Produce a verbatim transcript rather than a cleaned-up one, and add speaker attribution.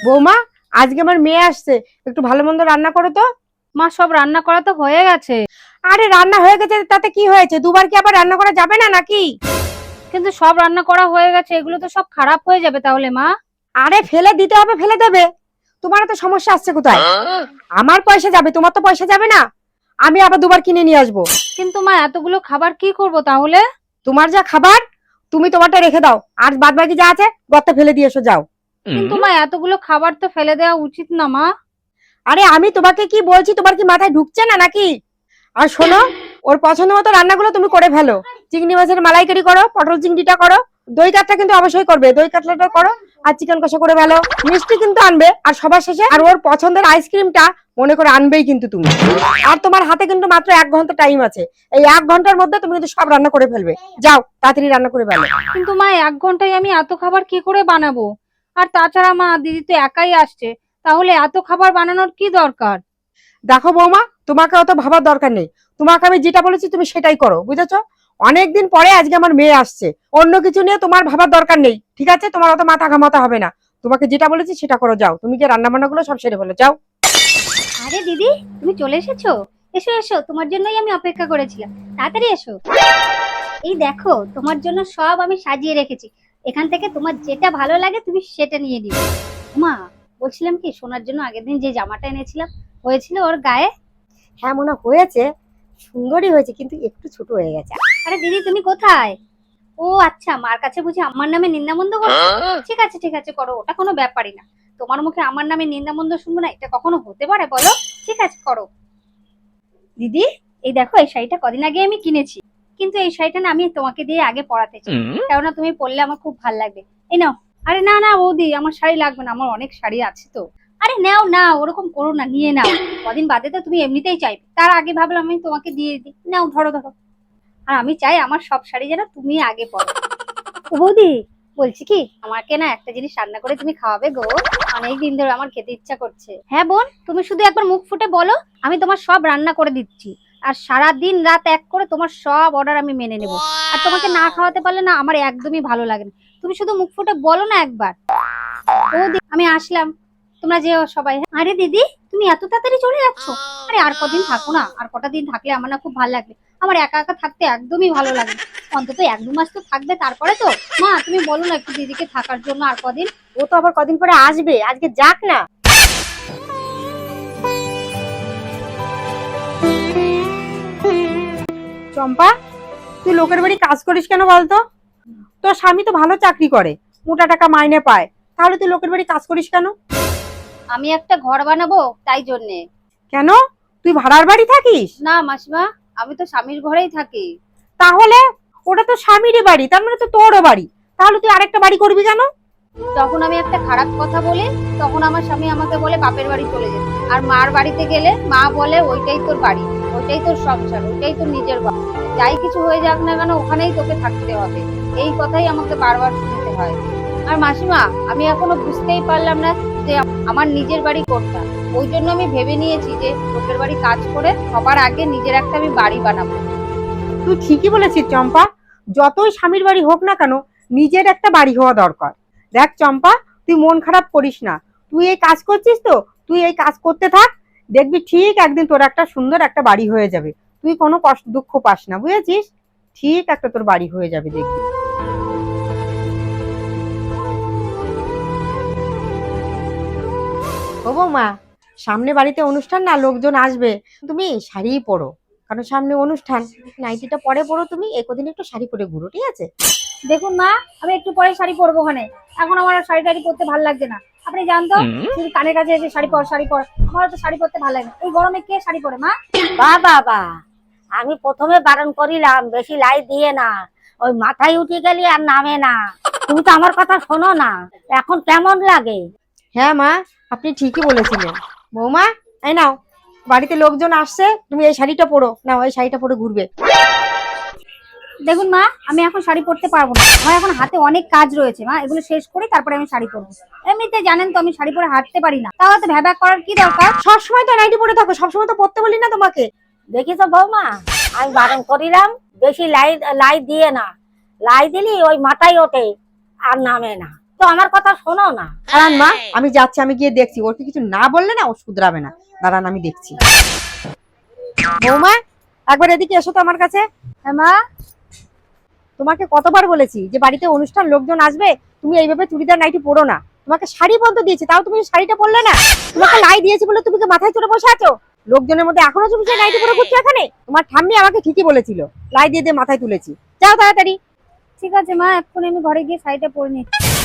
Speaker 1: বৌমা, আজকে আমার মেয়ে আসছে, একটু ভালো মন্দ রান্না করো তো।
Speaker 2: মা সব রান্না করা তো হয়ে গেছে।
Speaker 1: আরে রান্না হয়ে গেছে তাতে কি হয়েছে? দুবার কি আবার রান্না করা যাবে না নাকি?
Speaker 2: কিন্তু সব রান্না করা হয়ে গেছে, এগুলো তো সব খারাপ হয়ে যাবে তাহলে মা।
Speaker 1: আরে ফেলে দিতে হবে, ফেলে দেবে। তোমার তো সমস্যা আসছে কোথায়? আমার পয়সা যাবে, তোমার তো পয়সা যাবে না। আমি আবার দুবার কিনে নিয়ে আসবো।
Speaker 2: কিন্তু মা এতগুলো খাবার কি করব তাহলে?
Speaker 1: তোমার যা খাবার তুমি তোমারটা রেখে দাও, আর বাদ বাকি যা আছে গর্তে ফেলে দিয়ে এসো, যাও।
Speaker 2: কিন্তু মা এতগুলো খাবার তো ফেলে দেওয়া উচিত না মা।
Speaker 1: আরে আমি তোমাকে কি বলছি, তোমার কি মাথায় ঢুকছে না নাকি? আর শোনো, ওর পছন্দ মতো রান্নাগুলো তুমি করে ফেলো। চিংড়ি মাছের মালাইকারি করো, পটল চিংড়িটা করো, দই কাতলা কিন্তু অবশ্যই করবে, দই কাতলাটা করো। আর চিকেন কষা করে ফেলো, মিষ্টি কিন্তু আনবে। আর সবার শেষে আর ওর পছন্দের আইসক্রিমটা মনে করে আনবেই কিন্তু তুমি। আর তোমার হাতে কিন্তু মাত্র এক ঘন্টা টাইম আছে। এই এক ঘন্টার মধ্যে তুমি কিন্তু সব রান্না করে ফেলবে। যাও তাড়াতাড়ি রান্না করে ফেলো।
Speaker 2: কিন্তু মা এক ঘন্টায় আমি এত খাবার কি করে বানাবো? আর তাছাড়া মা দিদি তো একাই আসছে, তাহলে এত খাবার বানানোর কি দরকার?
Speaker 1: দেখো বৌমা, তোমাকে অত ভাবার দরকার নেই। তোমাকে আমি যেটা বলেছি তুমি সেটাই করো, বুঝেছো? অনেকদিন পরে আজকে আমার মেয়ে আসছে, অন্য কিছু নিয়ে তোমার ভাবার দরকার নেই, ঠিক আছে? তোমার অত মাথা ঘামাতে হবে না। তোমাকে যেটা বলেছি সেটা করো, যাও। তুমি যে রান্না বান্না গুলো সব সেরে ফেলো, যাও।
Speaker 3: আরে দিদি, তুমি চলে এসেছো। এসো এসো, তোমার জন্যই আমি অপেক্ষা করেছিলাম। তাড়াতাড়ি এসো। এই দেখো, তোমার জন্য সব আমি সাজিয়ে রেখেছি। এখান থেকে তোমার যেটা ভালো লাগে তুমি সেটা নিয়ে নিও। মা, বলছিলাম কি, সোনার জন্য আগের দিন যে জামাটা এনেছিলাম, হয়েছিল ওর গায়ে?
Speaker 1: হ্যাঁ মনে হয়েছে, সুন্দরই হয়েছে, কিন্তু একটু ছোট হয়ে গেছে।
Speaker 3: আরে দিদি, তুমি কোথায়? ও আচ্ছা, মার কাছে বুঝি আমার নামে নিন্দামন্দ করছো? ঠিক আছে ঠিক আছে, করো, ওটা কোনো ব্যাপারই না। তোমার মুখে আমার নামে নিন্দামন্দ শুনবো না, এটা কখনো হতে পারে বলো? ঠিক আছে, করো। দিদি, এই দেখো, এই শাড়িটা কদিন আগে আমি কিনেছি, কিন্তু এই শাড়িটা না আমি তোমাকে দিয়ে আগে পরাতে চাই, কেননা তুমি পরলে আমার খুব ভালো লাগবে। এই নাও।
Speaker 2: আরে না না বৌদি, আমার শাড়ি লাগবে না, আমার অনেক শাড়ি আছে তো।
Speaker 3: আরে নাও না, ওরকম করো না, নিয়ে নাও। কদিন বাদে তো তুমি এমনিতেই চাইবে, তার আগে ভাবলাম আমি তোমাকে দিয়ে দিই। নাও, ধরো ধরো। আর আমি চাই আমার সব শাড়ি যেন তুমি আগে পরো। ও বৌদি, বলছি কি, আমাকে না একটা জিনিস রান্না করে তুমি খাওয়াবে গো। অনেক দিন ধরে আমার খেতে ইচ্ছা করছে। হ্যাঁ বোন, তুমি শুধু একবার মুখ ফুটে বলো, আমি তোমার সব রান্না করে দিচ্ছি। আর সারা দিন রাত এক করে তোমার সব অর্ডার আমি মেনে নেব। আর তোমাকে না খাওয়াতে পারলে না আমার একদমই ভালো লাগে না। তুমি শুধু মুখ ফুটে বলো না একবার। বৌদি, আমি আসলাম, তোমরা যেও সবাই। হ্যাঁ? আরে দিদি, তুমি এত তাড়াতাড়ি চলে যাচ্ছ? আরে আর কদিন থাকো না, আর কটা দিন থাকলে আমার না খুব ভালো লাগবে। আমার একা একা থাকতে একদমই ভালো লাগে না। অন্তত এক দু মাস তো থাকবে, তারপরে তো। মা, তুমি বলো না একটু দিদিকে থাকার জন্য আর কদিন।
Speaker 1: ও তো আবার কদিন পরে আসবে, আজকে যাক না। চম্পা, তুই লোকের বাড়ি কাজ করিস কেন বলতো? তোর স্বামী তো ভালো চাকরি করে, মোটা টাকা মাইনে পায়, তাহলে তুই লোকের বাড়ি কাজ করিস কেন?
Speaker 3: আমি একটা ঘর বানাবো, তাই জন্যে।
Speaker 1: কেন, তুই ভাড়ার বাড়ি থাকিস?
Speaker 3: না মাসিমা, আমি তো স্বামীর ঘরেই থাকি।
Speaker 1: তাহলে ওটা তো স্বামীরই বাড়ি, তার মানে তো তোরও বাড়ি, তাহলে তুই আরেকটা বাড়ি করবি কেন?
Speaker 3: যখন আমি একটা খারাপ কথা বলি, তখন আমার স্বামী আমাকে বলে বাপের বাড়ি চলে যেতে। আর মার বাড়িতে গেলে মা বলে ওইটাই তোর বাড়ি, ওইটাই তোর সংসার, ওইটাই তোর নিজের বাড়ি। যাই কিছু হয়ে যাক না কেন, ওখানেই তোকে থাকতে হবে। এই কথাই আমাকে বারবার শুনতে হয়। আর মাসিমা, আমি এখনো বুঝতেই পারলাম না যে আমার নিজের বাড়ি কোনটা। ওই জন্য আমি ভেবে নিয়েছি যে লোকের বাড়ি কাজ করে সবার আগে নিজের একটা আমি বাড়ি বানাবো।
Speaker 1: তুই ঠিকই বলেছিস চম্পা, যতই স্বামীর বাড়ি হোক না কেন, নিজের একটা বাড়ি হওয়া দরকার। দেখ চম্পা, তুই মন খারাপ করিস না। তুই এই কাজ করছিস তো, তুই এই কাজ করতে থাক, দেখবি ঠিক একদিন তোর একটা সুন্দর একটা বাড়ি হয়ে যাবে। তুই কোনো কষ্ট দুঃখ পাস না, বুঝেছিস? ঠিক একটা তোর বাড়ি হয়ে যাবে, দেখবি। ও বৌমা, সামনে বাড়িতে অনুষ্ঠান না, লোকজন আসবে, তুমি শাড়ি পরো, কারণ সামনে অনুষ্ঠান। নাইটিটা পরে পরো, তুমি একদিন একটু শাড়ি পরে ঘুরো, ঠিক আছে?
Speaker 3: দেখুন মা, আমি একটু পরে শাড়ি পরবো ওখানে। এখন আমার আর শাড়ি টাড়ি পরতে ভালো লাগছে না। আপনি জানতো, শুধু কানের কাছে এসে শাড়ি পর শাড়ি পর, আমার তো শাড়ি পরতে ভালো লাগে না। এই গরমে কে শাড়ি পরে মা?
Speaker 4: বা বাবা, আমি প্রথমে বারণ করিলাম বেশি লাই দিয়ে না, ওই মাথায় উঠে গেলি আর নামে না। তুমি তো আমার কথা শোনো না, এখন কেমন লাগে?
Speaker 1: হ্যাঁ মা, আপনি ঠিকই বলেছিলেন। বৌমা, এই নাও, বাড়িতে লোকজন আসছে, তুমি এই শাড়িটা পরো, নাও এই শাড়িটা পরে ঘুরবে।
Speaker 3: দেখুন মা, আমি এখন শাড়ি পরতে পারবো না, আমার এখন হাতে অনেক কাজ রয়েছে। মা, এগুলো শেষ করি তারপরে আমি শাড়ি পরবো। এমনিতে জানেন তো আমি শাড়ি পরে হাঁটতে পারি না, তাহলে তো ভ্যাবাক করার কি দরকার?
Speaker 1: সবসময় তো নাইটি পরে থাকো, সবসময় তো পরতে বলি না তোমাকে।
Speaker 4: দেখিস বৌমা, আমি বারণ করিলাম বেশি লাই লাই দিয়ে না, লাই দিলি ওই মাথায় ওঠে আর নামে না। তো আমার কথা শোনো না।
Speaker 1: দাঁড়ান মা, আমি যাচ্ছি, আমি গিয়ে দেখছি। ওকে কিছু না বললে না ও শুধরাবে না। দাঁড়ান, আমি দেখছি। বৌমা, একবার এদিকে এসো তো আমার কাছে।
Speaker 3: হ্যাঁ মা।
Speaker 1: তোমাকে কতবার বলেছি যে বাড়িতে অনুষ্ঠান, লোকজন আসবে, তুমি এইভাবে চুড়িদার নাইটি পরো না। তোমাকে শাড়ি পর্যন্ত দিয়েছি, তাও তুমি শাড়িটা পরলে না। তোমাকে লাই দিয়েছি বলে তুমি কি মাথায় চড়ে বসে আছো? লোকজনের মধ্যে এখনো তুমি সেই নাইটি পরে ঘুরছো এখানে? তোমার ঠাম্মি আমাকে ঠিকই বলেছিল, লাই দিয়ে দিয়ে মাথায় তুলেছি। যাও তাড়াতাড়ি।
Speaker 3: ঠিক আছে মা, এক্ষুনি আমি ঘরে গিয়ে শাড়িটা পরে নিচ্ছি।